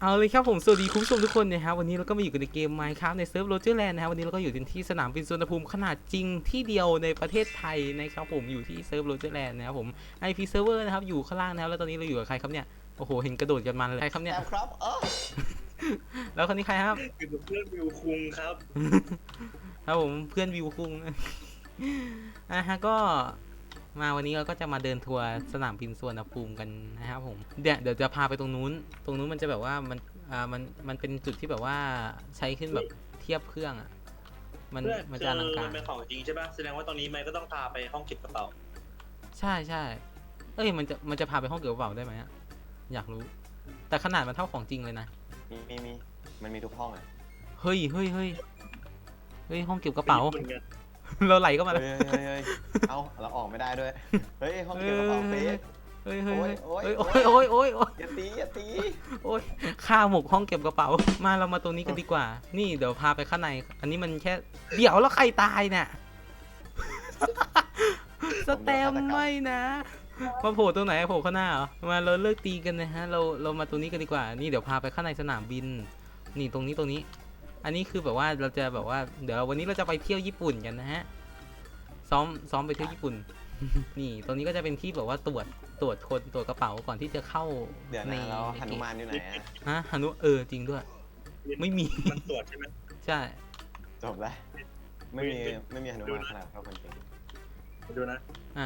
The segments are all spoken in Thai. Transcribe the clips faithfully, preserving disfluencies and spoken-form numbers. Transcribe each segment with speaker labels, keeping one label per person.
Speaker 1: เอาเลยครับผมสวัสดีคุณผู้ชมทุกคนนะครับวันนี้เราก็มาอยู่กันในเกม Minecraft ในเซิร์ฟโรเจอร์แลนด์นะครับวันนี้เราก็อยู่ที่สนามบินสุวรรณภูมิขนาดจริงที่เดียวในประเทศไทยนะครับผมอยู่ที่เซิร์ฟโรเจอร์แลนด์นะครับผม ไอ พี Server นะครับอยู่ข้างล่างนะครับแล้วตอนนี้เราอยู่กับใครครับเนี่ยโอ้โหเห็นกระโดดกันมันเลยใครครับเนี่ย
Speaker 2: ครับเออ
Speaker 1: แล้วคนนี้ใครครับ
Speaker 2: คือเพื่อนวิวคุงครับ
Speaker 1: ครับผมเพื่อนวิวคุงอ่ะฮะก็มาวันนี้เราก็จะมาเดินทัวร์สนามบินสุวรรณภูมิกันนะครับผมเดี๋ยวเดี๋ยวจะพาไปตรงนู้นตรงนู้นมันจะแบบว่ามันอ่ามันมันเป็นจุดที่แบบว่าใช้ขึ้นแบบเทียบเครื่องอ่ะมันมันจะอลังการ
Speaker 2: มันเป็นของจริงใช่ป่ะแสดงว่าตรงนี้มันก็ต้องพาไปห้องเก็บกระเป๋า
Speaker 1: ใช่ใช่เอ้ยมันจะมันจะพาไปห้องเก็บกระเป๋าได้ไหมอะอยากรู้ แต่ขนาดมันเท่าของจริงเลยนะ
Speaker 3: มีมีมีมันมีทุกห้องอ่ะ
Speaker 1: เฮ้ยเฮ้ยเฮ้ยเฮ้ยห้องเก็บกระเป๋า
Speaker 2: หมือนกัน
Speaker 1: เราไหลเข้ามา
Speaker 3: เฮ้
Speaker 1: แล้ว
Speaker 3: ยเฮ้ยเฮ้ยเอาเราออกไม่ได้ด้วย เฮ้ยห้องเก็บกระเป๋าเฟส
Speaker 1: เฮ้ยเฮ้ยเฮ้ย
Speaker 3: โอ๊
Speaker 1: เฮ้ย
Speaker 3: ย
Speaker 1: โอ้
Speaker 3: โอ๊
Speaker 1: ย
Speaker 3: ย
Speaker 1: โอ้ยโอ้ยโอ้ย
Speaker 3: อย่าตีอย่าตี
Speaker 1: โอ้ยข้าหมกห้องเก็บกระเป๋า มาเรามาตรงนี้กันดีกว่า นี่เดี๋ยวพาไปข้างใน อันนี้มันแค่เดี๋ยวแล้วใครตายเนี่ย สแตมไม่นะมาโผล่ตรงไหนโผล่ข้างหน้าเหรอมาเราเลิกตีกันนะฮะเราเรามาตรงนี้กันดีกว่านี่เดี๋ยวพาไปข้างในสนามบิน นี่ตรงนี้ตรงนี้ อันนี้คือแบบว่าเราจะแบบว่าเดี๋ยววันนี้เราจะไปเที่ยวญี่ปุ่นกันนะฮะซ้อมซ้อมไปเที่ยวญี่ปุ่น นี่ตรงนี้ก็จะเป็นที่แบบว่าตรวจตรวจคนตรวจกระเป๋าก่อนที่จะเข้า
Speaker 3: เดี๋ยว
Speaker 1: ใน
Speaker 3: นะแล้วหนุมานอยู่ไหนอ่ะ
Speaker 1: ฮะฮานุเออจริงด้วย ไม่มี
Speaker 2: มันตรวจใช่ไหม
Speaker 1: ใช่
Speaker 3: จบแล้วไม่มีไม่มีหนุมานขนาดเท่าคนจริง
Speaker 2: ดูนะ
Speaker 1: อ่า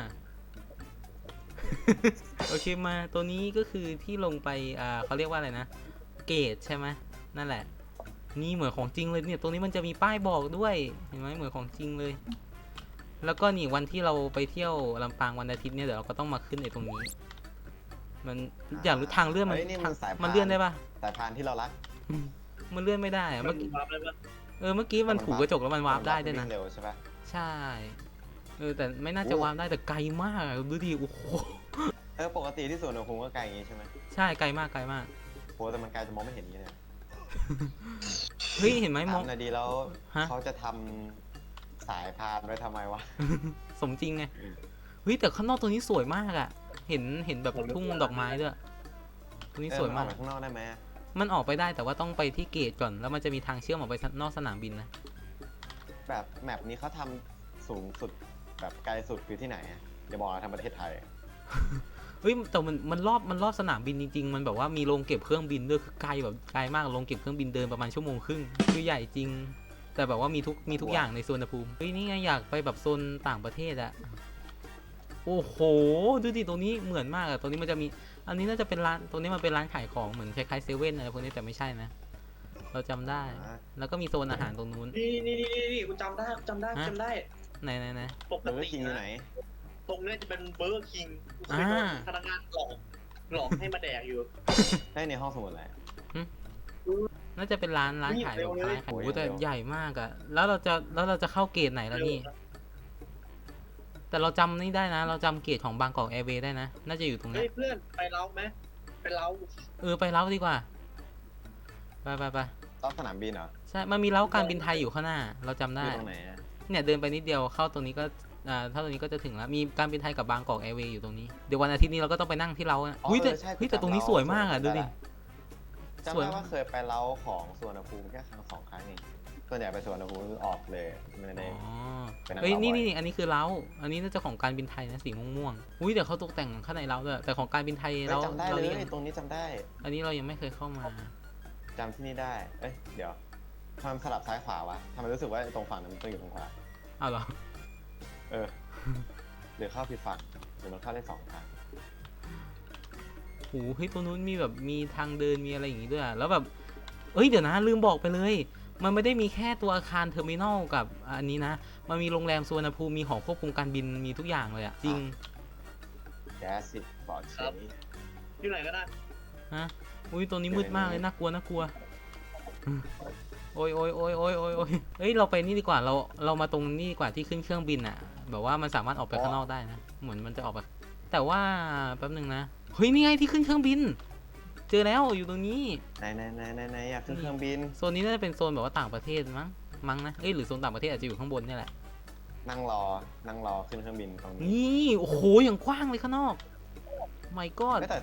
Speaker 1: โอเคมาตัวนี้ก็คือที่ลงไปอ่าเขาเรียกว่าอะไรนะเกตใช่ไหมนั่นแหละ นี่เหมือนของจริงเลยเนี่ยตรงนี้มันจะมีป้ายบอกด้วยเห็นไหมเหมือนของจริงเลย แล้วก็นี่วันที่เราไปเที่ยวลำปางวันอาทิตย์เนี่ยเดี๋ยวเราก็ต้องมาขึ้นไอ้ตรงนี้ มันอยากรู้ทางเลื่อนมัน
Speaker 3: ฮ้ยนี่
Speaker 1: ทาง
Speaker 3: สายพา
Speaker 1: มันเลื่อนได้ปะ
Speaker 3: สายพานที่เรารัก
Speaker 1: มันเลื่อนไม่ได้อะ
Speaker 2: มั
Speaker 1: เมื่
Speaker 2: น
Speaker 1: อกี้
Speaker 2: วาร์ปได้ปะ
Speaker 1: เออเมื่อกี้มันถูกกระจกแล้วมันวาร์ปได้ด้วยนะ
Speaker 3: เร็วใช่ปะ
Speaker 1: ใช่เออแต่ไม่น่าจะวาร์ปได้แต่ไกลมากอะดูดิโอ้โห
Speaker 3: เออปกติที่สวนอุณหภูมิก็ไกลอย่างงี้ใช่ไหม
Speaker 1: ใช่ไกลมากไกลมาก
Speaker 3: โหแต่มันไกลจะมองไม่เห็นอย่างงี้เลย
Speaker 1: เฮ้ยเห็นไหมมอง
Speaker 3: ถามหน่อยดีแล้ว
Speaker 1: ฮะ
Speaker 3: เขาจะทำสายพานไว้ทำไมวะ
Speaker 1: สมจริงไงเฮ้ยแต่ข้างนอกตรงนี้สวยมากอะเห็นเห็นแบบทุ่งดอกไม้ด้วยตรงนี้
Speaker 3: เออ
Speaker 1: สวย
Speaker 3: นอ
Speaker 1: มา
Speaker 3: อก กไปข้างนอกได้ไหมอะ
Speaker 1: มันออกไปได้แต่ว่าต้องไปที่เกตก่อนแล้วมันจะมีทางเชื่อมออกไปนอกสนามบินนะ
Speaker 3: แบบแมปนี้เขาทำสูงสุดแบบไกลสุดคือที่ไหนอะอย่าบอกนะทำประเทศไทย
Speaker 1: เฮ้ยแต่มันมันรอบมันรอบสนามบินจริงๆมันแบบว่ามีโรงเก็บเครื่องบินด้วยคือไกลแบบไกลมากโรงเก็บเครื่องบินเดินประมาณชั่วโมงครึ่งคือใหญ่จริง แต่แบบว่ามีทุกมีทุกอย่างในสุวรรณภูมิเฮ้ยนี่ไงอยากไปแบบโซนต่างประเทศอะโอ้โหดูดิตรงนี้เหมือนมากอะตรงนี้มันจะมีอันนี้น่าจะเป็นร้านตรงนี้มันเป็นร้านขายของเหมือนคล้ายๆเซเว่นอะไรพวกนี้แต่ไม่ใช่นะเราจำได้
Speaker 3: อ่า
Speaker 1: แล้วก็มีโซนอาหารตรงนู้น
Speaker 2: นี่นี่นี่นี่กูจำได้กูจำได้กู
Speaker 1: ฮะ
Speaker 2: จำได้
Speaker 1: ไหนไหนไหน
Speaker 2: ปก
Speaker 3: เบอร์เกอ
Speaker 2: ติ
Speaker 3: ร์คิงอยู่ไหน
Speaker 2: นะตรงเนี้ยจะเป็นเบอร์เกอร์คิงกูเคยโดน
Speaker 1: อ่า
Speaker 2: พนักงานหลอกหลอกให้มาแดกอยู่
Speaker 3: ได้ในห้องสมุดแหละ
Speaker 1: น่าจะเป็นร้านร้านขายดอกไม้ขาย
Speaker 3: โอ้
Speaker 1: โอ้
Speaker 3: ย
Speaker 1: แต่
Speaker 3: เร็ว
Speaker 1: ใหญ่มากอะแล้วเราจะแล้วเราจะเข้าเกตไหนแล้วนี่ แต่เราจำนี่ได้นะ เราจำเกตของบางกอกแอร์เวย์ได้นะ น่าจะอยู่ตรง
Speaker 2: เฮ้
Speaker 1: นี้
Speaker 2: ยเพื่อนไปเล้าไหมไปเล้า
Speaker 1: เออไปเล้าดีกว่า ไปไปไป
Speaker 3: รอบสนามบินเหรอ
Speaker 1: ใช่ มันมีเล้าการบินไทยอยู่ข้างหน้า เราจำ
Speaker 3: อ
Speaker 1: ได้
Speaker 3: ยู่ตรงไหนอะ
Speaker 1: เนี่ยเดินไปนิดเดียวเข้าตรงนี้ก็อ่าถ้าตรงนี้ก็จะถึงแล้ว มีการบินไทยกับบางกอกแอร์เวย์อยู่ตรงนี้ เดี๋ยววันอาทิตย์นี้เราก็ต้องไปนั่งที่เล้าอะอุ้ยแต่
Speaker 3: เออใช่
Speaker 1: เฮ้ยแต่ตรงนี้สวยมากอะดูดิ
Speaker 3: จำ
Speaker 1: สวย
Speaker 3: ได้ว่าเคยไปเล้าของสวนภูมิแค่ครั้งสองครั้งเองส่วนใหญ่ไปสวนภูมิคือออกเลยไม่ได้
Speaker 1: อ๋อ
Speaker 3: ไปนั่ง
Speaker 1: เฮ้ย
Speaker 3: เล้า
Speaker 1: นี่
Speaker 3: บ่อย
Speaker 1: นี่อันนี้คือเล้า อันนี้น่าจะของการบินไทยนะสีม่วงๆอุ้ยเดี๋ยวเขาตกแต่งข้างในเล้าด้วย แต่ของการบินไทย
Speaker 3: เฮ้ย
Speaker 1: เรา
Speaker 3: จำได้
Speaker 1: เรา
Speaker 3: เลย
Speaker 1: ยัง
Speaker 3: ตรงนี้จำได้
Speaker 1: อันนี้เรายังไม่เคยเข้ามา
Speaker 3: จำที่นี่ได้ เอ้ยเดี๋ยวทำไมสลับซ้ายขวาวะทำไมรู้สึกว่าตรงฝั่งนั้นมันต้องอยู่ตรงขวา
Speaker 1: อ้าวเหรอ
Speaker 3: เออหรือเข้าผิดฝั่งหรือมันเข้าได้สองทาง
Speaker 1: โอ้โหเฮ้ยตัวนู้นมีแบบมีทางเดินมีอะไรอย่างงี้ด้วยอะแล้วแบบเอ้ยเดี๋ยวนะลืมบอกไปเลย มันไม่ได้มีแค่ตัวอาคารเทอร์มินอลกับอันนี้นะ มันมีโรงแรมสุวรรณภูมิมีหอควบคุมการบินมีทุกอย่างเลยอะจริง
Speaker 3: แก๊สสิบอกเชย
Speaker 2: อยู่ไหนก็ได้
Speaker 1: ฮะอุ้ยตัวนี้มืดมากเลยน่ากลัวน่ากลัวโอ้ยโอ้ยโอ้ยโอ้ยโอ้ยโอ้ยเฮ้ยเราไปนี่ดีกว่าเราเรามาตรงนี่ดีกว่าที่ขึ้นเครื่องบินอะแบบว่ามันสามารถออกไปข้างนอกได้นะเหมือนมันจะออกไปแต่ว่าแป๊บนึงนะเฮ้ยนี่ไงที่ขึ้นเครื่องบิน เจอแล้วอยู่ตรงนี้
Speaker 3: ไหนไหนไหนไหนไหนอยากขึ้นเครื่องบิน
Speaker 1: โซนนี้น่าจะเป็นโซนแบบว่าต่างประเทศมั้งมั้งนะเอ้ยหรือโซนต่างประเทศอาจจะอยู่ข้างบนนี่แหละ
Speaker 3: นั่งรอนั่งรอขึ้นเครื่องบินตรงนี้
Speaker 1: นี่โอ้โหอย่างกว้างเลยข้างนอก my god
Speaker 3: ไม่แต่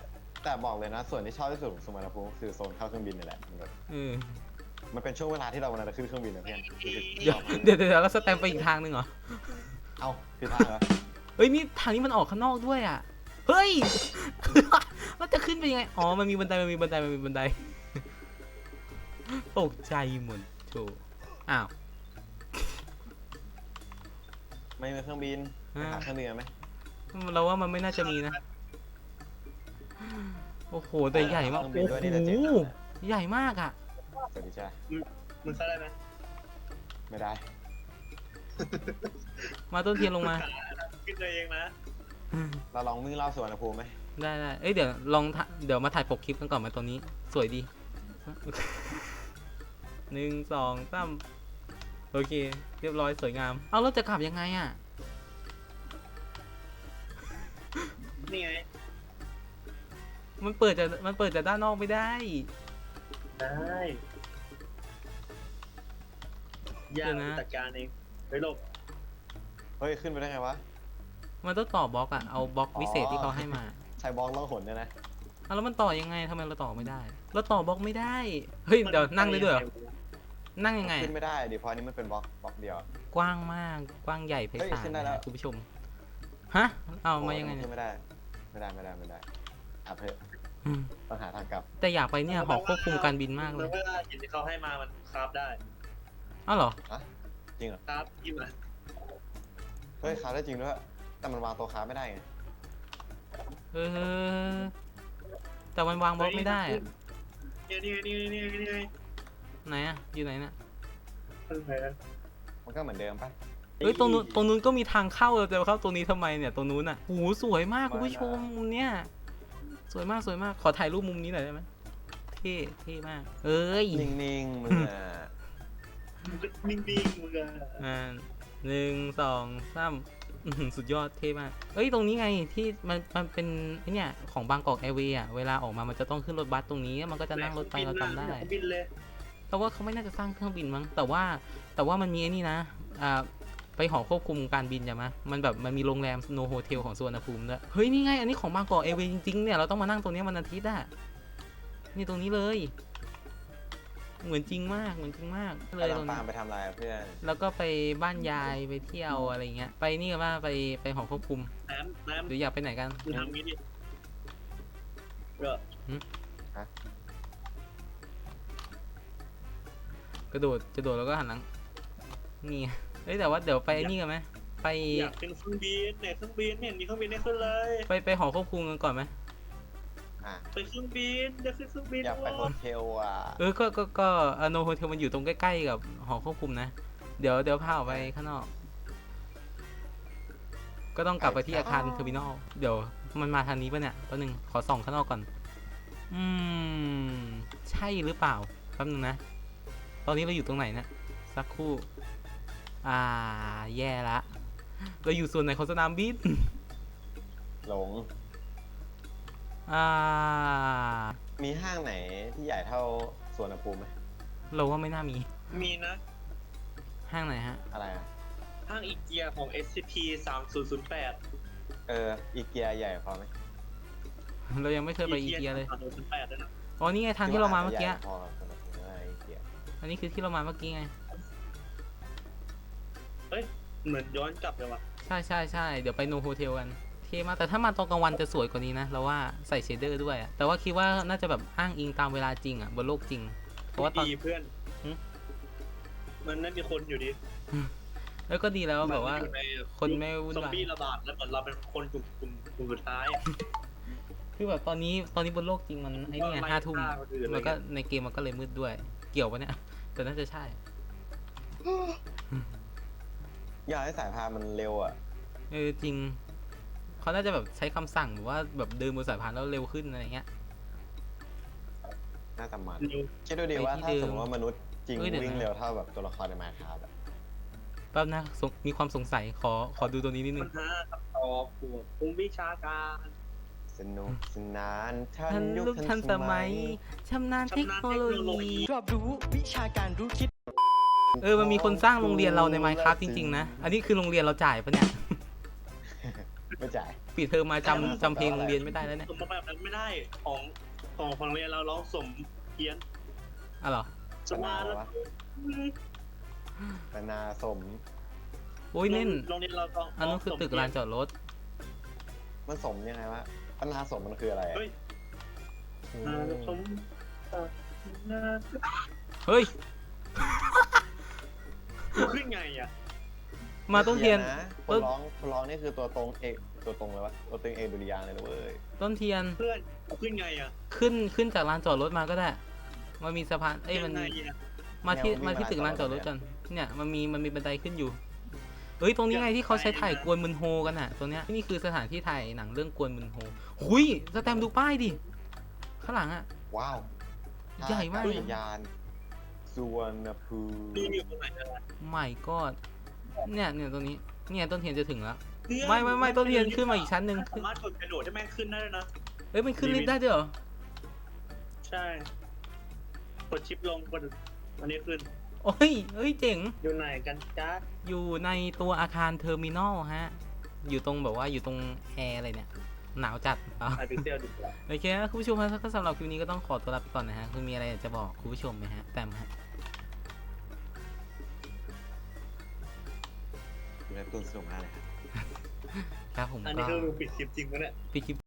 Speaker 3: แต่บอกเลยนะ ส่วนที่ชอบที่สุดของสุวรรณภูมิคือโซนเข้าเครื่องบินนี่แหละมันแบบ
Speaker 1: เออ
Speaker 3: มันเป็นช่วงเวลาที่เรากำลังจะขึ้นเครื่องบินนะเพื่อนรู้สึก
Speaker 1: เดี๋ยว
Speaker 3: ชอบมาก
Speaker 1: เดี๋ยวเดี๋ยวเราสแตมป์ไปอีกทางหนึ่งเหรอ
Speaker 3: เอ้าผิดทางเหรอ
Speaker 1: เฮ้ยนี่ทางนี้มันออกข้างนอกด้วยอ่ะ เฮ้ย เราจะขึ้นไปยังไง อ๋อ มันมีบันได มันมีบันได มันมีบันได ตกใจหมดโถอ้าว
Speaker 3: ไม่มีเครื่องบินไปหาเครื่องบินกันไหม
Speaker 1: เราว่ามันไม่น่าจะมีนะ โอ้โห แต่ใหญ่มาก
Speaker 3: เครื่อง
Speaker 1: โอ้
Speaker 3: บินด้วยนี่แหละเจ๋ง
Speaker 1: โห
Speaker 3: มากเลย
Speaker 1: ใหญ่มากอ่ะ
Speaker 3: สวัสดีจ้า
Speaker 2: มึงเข้าได้ไหม
Speaker 3: ไม่ได้
Speaker 1: มาต้นเทียนลงมา
Speaker 2: ขึ้นได้เองนะ
Speaker 3: เราลองวิ่งรอบสุวรรณภูมิไหม
Speaker 1: ได้ได้เอ้ย เดี๋ยวลองถ่าเดี๋ยวมาถ่ายปกคลิปกันก่อนไหมาตัวนี้ สวยดี หนึ่งสองสามโอเค เรียบร้อยสวยงาม เอาแล้วจะกลับยังไงอ่ะ
Speaker 2: นี่ไง
Speaker 1: มันเปิดจากมันเปิดจากด้านนอกไม่ได้
Speaker 2: ได้ยากจัดการเองไปหลบ
Speaker 3: เฮ้ยขึ้นไปได้ไงวะ
Speaker 1: มันต้องต่อบล็อกอะเอาบล็อก
Speaker 3: อ๋อ
Speaker 1: วิเศษที่เขาให้มา
Speaker 3: ใช้บล็อกล่องหนเนี่ยนะ
Speaker 1: เอาแล้วมันต่อยังไงทำไมเราต่อไม่ได้ เราต่อบล็อกไม่ได้ เฮ้ย เดี๋ยวนั่งได้ด้วยเหรอ นั่งยังไง
Speaker 3: ขึ้น
Speaker 1: อะ
Speaker 3: ไม่ได้ดิเพราะอันนี้มันเป็นบล็อกบล็อกเดียว
Speaker 1: กว้างมาก กว้างใหญ่ไพ
Speaker 3: เฮ้ย
Speaker 1: ศาล
Speaker 3: ขึ้นได้แล้ว
Speaker 1: นะคุณผู้ชม ฮะ เอามายังไง
Speaker 3: โอ้
Speaker 1: เนี่ย
Speaker 3: ขึ้นไม่ได้ ไม่ได้ไม่ได้ไม่ได้อับเถอะ
Speaker 1: อืม
Speaker 3: ต้องหาทางกลับ
Speaker 1: แต่อยากไปเนี่ยหอควบคุมการบินมากเลย
Speaker 2: เวลาหินที่เขาให้มามันคราฟได้
Speaker 1: อ้าวเหรอ
Speaker 3: จริงเหรอ
Speaker 2: คราฟยิ่งอ่ะ
Speaker 3: เฮ้ยคาได้จริงด้วยแต่มันวางตัวคาไม่ได้ไง
Speaker 1: เออ แต่มันวางบล็อกไม่ได้อะ
Speaker 2: นี่นี่นี่นี่นี่นี่
Speaker 1: ไหนอะอยู่ไหนน่ะ
Speaker 3: มันก็เหมือนเดิมปะ
Speaker 1: เฮ้ย ตรงนู้น ตรงนู้นก็มีทางเข้าเราจะเข้าตรงนี้ทำไมเนี่ย ตรงนู้นอ่ะโอ้โหสวยมากคุณผู้ชมมุมเนี้ย สวยมากสวยมาก ขอถ่ายรูปมุมนี้หน่อยได้ไหมเท่เท่มาก เอ้ย
Speaker 3: นิ่งๆมึงอ่ะ
Speaker 2: นิ่งๆมึงอะ
Speaker 1: อ่าหนึ่งสองสามอื้อหือสุดยอดเท่มาก เอ้ย ตรงนี้ไงที่มันมันเป็นไอเนี่ยของบางกอกแอร์เวย์อ่ะ เวลาออกมามันจะต้องขึ้นรถบัสตรงนี้ มันก็จะนั่งรถไปเราจำได้
Speaker 2: บินเลย
Speaker 1: แต่ว่าเขาไม่น่าจะสร้างเครื่องบินมั้ง แต่ว่าแต่ว่ามันมีไอ้นี่นะ อ่า ไปหอควบคุมการบินใช่ไหมมันแบบมันมีโรงแรมโนโฮเทลของสุวรรณภูมิด้วย เฮ้ย นี่ไง อันนี้ของบางกอกแอร์เวย์จริงๆเนี่ย เราต้องมานั่งตรงนี้วันอาทิตย์อ่ะ นี่ตรงนี้เลย เหมือนจริงมาก เหมือนจริงมากเลย
Speaker 3: กำลั
Speaker 1: ตรง ง
Speaker 3: ตา
Speaker 1: นี้
Speaker 3: มไปทำอะไรอะเพื่อน
Speaker 1: แล้วก็ไปบ้านยายไปเที่ยวอะไรเงี้ย ไปนี่กันว่าไปไปหอควบคุม
Speaker 2: น้ำน้ำ
Speaker 1: หรืออยากไปไหนกัน
Speaker 2: มึงทำงี้ดิก็
Speaker 1: กระโดดกระโดดแล้วก็หันหลัง นี่ไงเอ้ยแต่ว่าเดี๋ยวไปไอ้นี่กันไหมไป
Speaker 2: อยากขึ้นเครื่องบินเนี่ยเครื่องบินไม่เห็นมีเครื่องบินให้ขึ้นเลย
Speaker 1: ไปไปหอควบคุมกันก่อนไหม
Speaker 3: อ่ะ
Speaker 2: ไปเครื่องบินจะขึ้นเครื่องบิน
Speaker 3: อยากไปโฮเทลอ่ะ
Speaker 1: เออก็ก็ก็โนโฮเทลมันอยู่ตรงใกล้ๆกับหอควบคุมนะ เดี๋ยวเดี๋ยวพาออกไปข้างนอก ก็ต้องกลับไปที่อาคารเทอร์มินอล เดี๋ยวมันมาทางนี้ป่ะเนี่ยแป๊บนึงขอส่องข้างนอกก่อน อืม ใช่หรือเปล่าแป๊บนึงนะ ตอนนี้เราอยู่ตรงไหนเนะสักครู่ อ่า แย่ละ เราอยู่ส่วนไหนของสนามบิน
Speaker 3: หลง
Speaker 1: อ่า
Speaker 3: มีห้างไหนที่ใหญ่เท่าสวนภูมิไหม
Speaker 1: เราว่าไม่น่ามี
Speaker 2: มีนะ
Speaker 1: ห้างไหนฮะ
Speaker 3: อะไรอ่ะ
Speaker 2: ห้างอีเกียของ เอส ซี พี สามศูนย์ศูนย์แปด
Speaker 3: เออ อีเกียใหญ่พอไหม
Speaker 1: เรายังไม่เคยไปอีเกียเลย
Speaker 2: สามศูนย์ศูนย์แปดด้วยนะ
Speaker 1: อ๋อ นี่ไงทางที่เรามาเมื่อกี้
Speaker 3: พอสำหรับผมว่าอีเกีย
Speaker 1: อันนี้คือที่เรามาเมื่อกี้ไง
Speaker 2: เหมือนย้อนกลับเลยว่ะ
Speaker 1: ใช่ใช่ใช่เดี๋ยวไปโนโฮเทลกันเท่มากแต่ถ้ามาตอนกลางวันจะสวยกว่านี้นะเราว่าใส่เชดเดอร์ด้วยอะแต่ว่าคิดว่าน่าจะแบบอ้างอิงตามเวลาจริงอ่ะบนโลกจริง เพราะว่าตอน
Speaker 2: ดีเพื่อน
Speaker 1: หึ
Speaker 2: มันไม่มีคนอยู่ดี
Speaker 1: แล้วก็ดีแล้วแบบว่า
Speaker 2: มันอยู่ใน
Speaker 1: คนไม่วุ่น
Speaker 2: ซอม
Speaker 1: วาย
Speaker 2: บี้ระบาดแล้วเหมือนเราเป็นคนกลุ่มกลุ่มกลุ่มสุดท้ายอะ
Speaker 1: คือแบบตอนนี้ตอนนี้บนโลกจริงมันไอ้นี่ไงห้าทุ่ม
Speaker 2: ไล่ฆ่าคนอื่นอะไร
Speaker 1: แล้วก็
Speaker 2: เงี้ย
Speaker 1: ในเกมมันก็เลยมืดด้วย เกี่ยวปะเนี่ยแต่น่าจะใช่
Speaker 3: อยากให้สายพานมันเร็วอ่ะ
Speaker 1: เออจริงเขาน่าจะแบบใช้คำสั่งหรือว่าแบบเดินบนสายพานแล้วเร็วขึ้นอะไรเงี้ย
Speaker 3: น่าจะมัน
Speaker 2: นิว
Speaker 3: คิดดูดิ
Speaker 1: ไป
Speaker 3: ว่า
Speaker 1: ที่
Speaker 3: ถ้า
Speaker 1: เดิม
Speaker 3: สมมติว่ามนุษย์จริง
Speaker 1: เอ้ยเดี๋ยวนะ
Speaker 3: วิ่งเร็วเท่าแบบตัวละครในมาคาบอะ
Speaker 1: แป๊บนะสงมีความสงสัยขอขอดูตัวนี้นิดนึ
Speaker 2: ปั
Speaker 1: ง
Speaker 2: ญหาคำตอบปวดภูมิวิชาการ
Speaker 3: สนุกสนานทั
Speaker 1: ทั
Speaker 3: น
Speaker 1: น
Speaker 3: ยุค
Speaker 1: ยุค
Speaker 3: ทั
Speaker 1: ทั
Speaker 3: น
Speaker 1: น
Speaker 3: ส
Speaker 1: ส
Speaker 3: มั
Speaker 1: มั
Speaker 3: ย
Speaker 1: ยชำนาญเทคโนโลยี
Speaker 4: รอบรู้วิชาการรู้คิด
Speaker 1: เออ มันมีคนสร้างโรงเรียนเราใน Minecraft จริงๆ นะ อันนี้คือโรงเรียนเราจ่ายปะเนี่ย
Speaker 3: ไม่จ่าย
Speaker 1: ปิดเทอมมาจำจำเพลงโรงเรียนไม่ได้แล้วเนี่ย
Speaker 2: สมมติแบบนั้นไม่ได้ของของของเรียนเราร้องสมเพี้ยน
Speaker 1: อ่ะเหรอ
Speaker 2: สมาแล้ว
Speaker 3: ปนาสม
Speaker 1: โอ้ยเน่น
Speaker 2: โรงเรียนเราต้อง
Speaker 1: อันนั้นคือตึกลานจอดรถ
Speaker 3: มันสมยังไงวะปนาสมมันคืออะไรอะ
Speaker 2: เฮ้ย
Speaker 3: อืม
Speaker 2: อ่าสมอ่า
Speaker 1: เฮ้ย
Speaker 2: ขึ้นไงอ่ะ
Speaker 1: มาต้นเทียน
Speaker 3: นะคนร้องคนร้องนี่คือตัวตรงเอกตัวตรงเลยวะตัวตรงเอกดุริยางค์เลยนะเว้ย
Speaker 1: ต้นเทียน
Speaker 2: เพื่อนขึ้นไงอ่ะ
Speaker 1: ขึ้นขึ้นจากลานจอดรถมาก็ได้ มันมีสะพาน เอ้ยมัน
Speaker 2: งไงอ่ะ
Speaker 1: มาที่มาที่ตึกลานจอดรถกัน เนี่ยมันมีมันมีบันไดขึ้นอยู่ เอ้ยตรงนี้ไงที่เขาใช้ถ่ายกวนมึนโฮกันอ่ะตรงเนี้ยนี่คือสถานที่ถ่ายหนังเรื่องกวนมึนโฮหุยสแตมป์ดูป้ายดิ ข้างหลังอ่ะ
Speaker 3: ว้าว
Speaker 1: ใหญ่มาก
Speaker 3: ท่อากาศยานสุวรรณภูมิ
Speaker 2: นี่อยู่ตรงไหนกัน
Speaker 1: ใหม่ก็เนี่ยเนี่ยตรงนี้ เนี่ยต้นเทียนจะถึงแล้ว
Speaker 2: เพื่อน
Speaker 1: ไม่ไม่ไม่ต้นเทียนขึ้นมาอีกชั้นหนึ่ง
Speaker 2: สามารถกดกระโดดให้แม่งขึ้นได้ด้วยนะ
Speaker 1: เอ้ยมันขึ้นลิฟต์ได้ด้วยเหรอ
Speaker 2: ใช่ กดชิปลงกดอันนี้ขึ้น
Speaker 1: โอ้ยเอ้ยเจ๋ง
Speaker 2: อยู่ไหนกันจ้า
Speaker 1: อยู่ในตัวอาคารเทอร์มินอลฮะ อยู่ตรงแบบว่าอยู่ตรงแอร์อะไรเนี่ย หนาวจัดอ่ะ
Speaker 2: ไอพิกเซลดีกว่า
Speaker 1: โอเคนะคุณผู้ชมฮะก็สำหรับคลิปนี้ก็ต้องขอตัวลาไปก่อนนะฮะ คุณมีอะไรอยากจะบอกคุณผู้ชมไหมฮะแต้มฮะ
Speaker 3: ดูแลตัวสนุกมากเลยครับ
Speaker 1: ครับผม
Speaker 2: อันนี้
Speaker 1: ก็
Speaker 2: คือปิดคลิปจริงปะเนี่ย
Speaker 1: ปิดคลิป